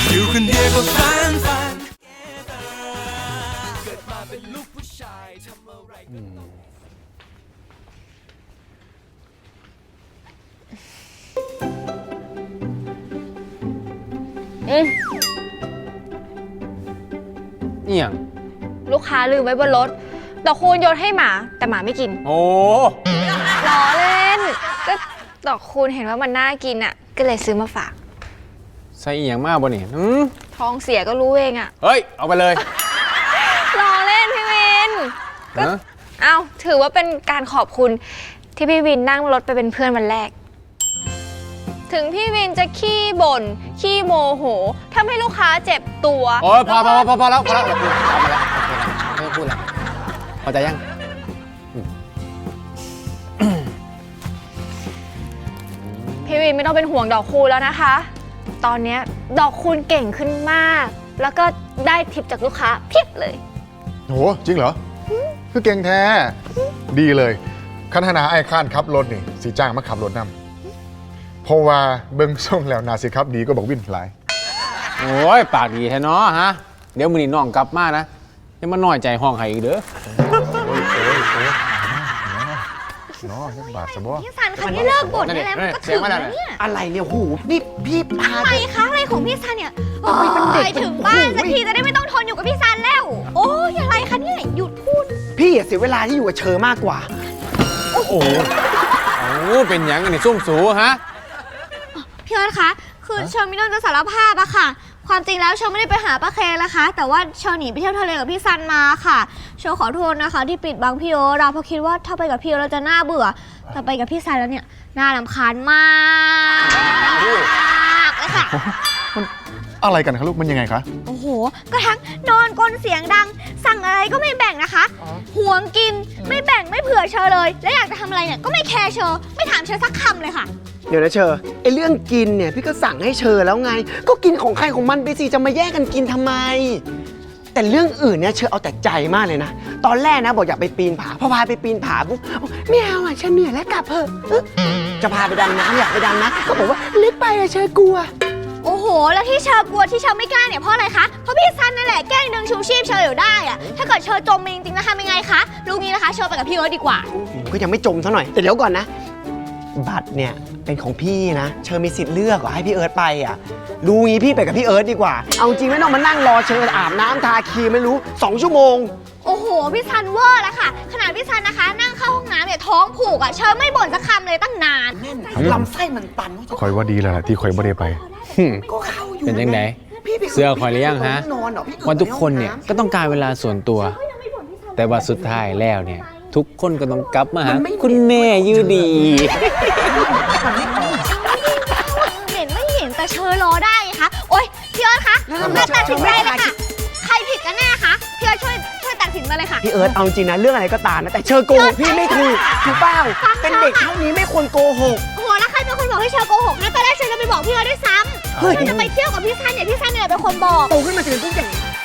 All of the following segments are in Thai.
อยู่คนเดียวก็ฟันเกิดมาเป็นลูกผู้ชายทำอะไรเอี่ยงลูกค้าลืมไว้บนรถดอกคูณโยนให้หมาแต่หมาไม่กินโอ้ล้อเล่นก็ดอกคูณเห็นว่ามันน่ากินอ่ะก็เลยซื้อมาฝากใส่เอี่ยงมากบ่นี่ท้องเสียก็รู้เองอ่ะเฮ้ยเอาไปเลยล้อเล่นพี่วินก็เอาถือว่าเป็นการขอบคุณที่พี่วินนั่งรถไปเป็นเพื่อนวันแรกถึงพี่วินจะขี้บ่นขี้โมโหทำให้ลูกค้าเจ็บตัวโอ้ยพอแล้วพอแล้วเอาไปแล้วไม่ต้องพูดแล้วพอใจยังพี่วินไม่ต้องเป็นห่วงดอกคูณแล้วนะคะตอนนี้ดอกคูณเก่งขึ้นมากแล้วก็ได้ทิปจากลูกค้าเพียบเลยโหจริงเหรอคือเก่งแท้ดีเลยคันธนาไอ้ข้านขับรถนี่สีจ้างมาขับรถนำเพราะว่าเบิ้งส่งแล้วนาสิครับดีก็บอกวินหลายโอ้ยปากดีแท้เนาะฮะเดี๋ยวมือนี่น้องกลับมานะยังมาน้อยใจห้องไห้อีกเด้อโอ้ยน้อยังบาดสะบ้อพี่ซันคะนี่เลิกบ่นได้แล้วมันก็ถึงแล้วเนี่ยอะไรเนี่ยหูนี่พี่พาอะไรคะอะไรของพี่ซันเนี่ยไปถึงบ้านสักทีจะได้ไม่ต้องทนอยู่กับพี่ซันแล้วโอ้ยอะไรคะเนี่ยหยุดพูดพี่เสียเวลาที่อยู่กับเชอมากกว่าโอ้โหเป็นยังไงเนี่ยซุ่มสูฮะพี่ออสคะคือเชอร์มินอนจะสารภาพอะค่ะความจริงแล้วเชอร์ไม่ได้ไปหาป้าเคนะคะแต่ว่าเชอร์หนีไปเที่ยวทะเลกับพี่ซันมาค่ะเชอร์ขอโทษนะคะที่ปิดบังพี่โอเราเพราะคิดว่าถ้าไปกับพี่โอเราจะน่าเบื่อแต่ไปกับพี่ซันแล้วเนี่ยน่ารำคาญมากเลยค่ะอะไรกันคะลูกมันยังไงคะโอ้โหก็ทั้งนอนกลนเสียงดังสั่งอะไรก็ไม่แบ่งนะคะห่วงกินไม่แบ่งไม่เผื่อเชอร์เลยและอยากจะทำอะไรเนี่ยก็ไม่แคร์เชอร์ไม่ถามเชอร์สักคำเลยค่ะเดี๋ยวนะเชอไอเรื่องกินเนี่ยพี่ก็สั่งให้เชอแล้วไงก็กินของใครของมันไปสิจะมาแย่งกันกินทำไมแต่เรื่องอื่นเนี่ยเชอเอาแต่ใจมากเลยนะตอนแรกนะบอกอยากไปปีนผาพอพาไปปีนผาปุ๊บไม่เอาอ่ะเชอเหนื่อยแล้วกลับเถอะจะพาไปดำน้ำอยากไปดำน้ำก็บอกว่าเล็กไปอะเชอกลัวโอ้โหแล้วที่เชอกลัวที่เชอไม่กล้าเนี่ยเพราะอะไรคะเพราะพี่ซันนั่นแหละแกล้งดึงชูชีพเชออยู่ได้อะถ้าเกิดเชอจมจริงๆนะคะยังไงคะลูกนี้นะคะเชอไปกับพี่เอิร์ธดีกว่าก็ยังไม่จมซะหน่อยแต่เดี๋ยวก่อนนะบัตรเนี่ยเป็นของพี่นะเชอมีสิทธิ์เลือกให้พี่เอิร์ธไปอ่ะรู้งี้พี่ไปกับพี่เอิร์ธดีกว่าเอาจริงไม่ต้องมานั่งรอเชออาบน้ำทาครีมไม่รู้2 ชั่วโมงโอ้โหพี่ซันเวอร์แล้วค่ะขนาดพี่ซันนะคะนั่งเข้าห้องน้ำเนี่ยท้องผูกอ่ะเชอไม่บ่นสักคำเลยตั้งนานลำไส้มันตันคอยว่าดีแล้วที่คอยไม่ได้ไปก็เข้าอยู่เป็นยังไงเสื้อคอยหรือยังฮะวันทุกคนเนี่ยก็ต้องการเวลาส่วนตัวแต่ว่าสุดท้ายแล้วเนี่ยทุกคนก็ต้องกลับมาหาคุณแม่ยูดีเห็นไม่เห็นแต่เชอรอได้คะโอ๊ยพี่เอิร์ธคะตัดสินใจเลยค่ะใครผิดกันแน่คะพี่เอิร์ธช่วยตัดสินมาเลยค่ะพี่เอิร์ธเอาจริงนะเรื่องอะไรก็ตามนะแต่เชอโกหกพี่ไม่ถูกเปล่าเป็นเด็กเท่านี้ไม่ควรโกหกโอ้โหแล้วใครเป็นคนบอกให้เชอโกหกนะตอนแรกเชอจะไปบอกพี่เอิร์ธด้วยซ้ำเชอจะไปเที่ยวกับพี่ซันเนี่ยพี่ซันเนี่ยเป็นคนบอกโตขึ้นมาจะเป็นผู้ใหญ่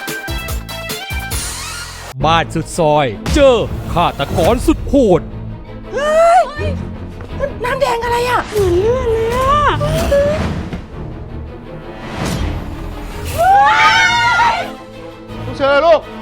บ้านสุดซอยเจอฆาตกรสุดโหดน้ำแดงอะไรอ่ะเหมือนเลือดเลยอ่ะเชอลูก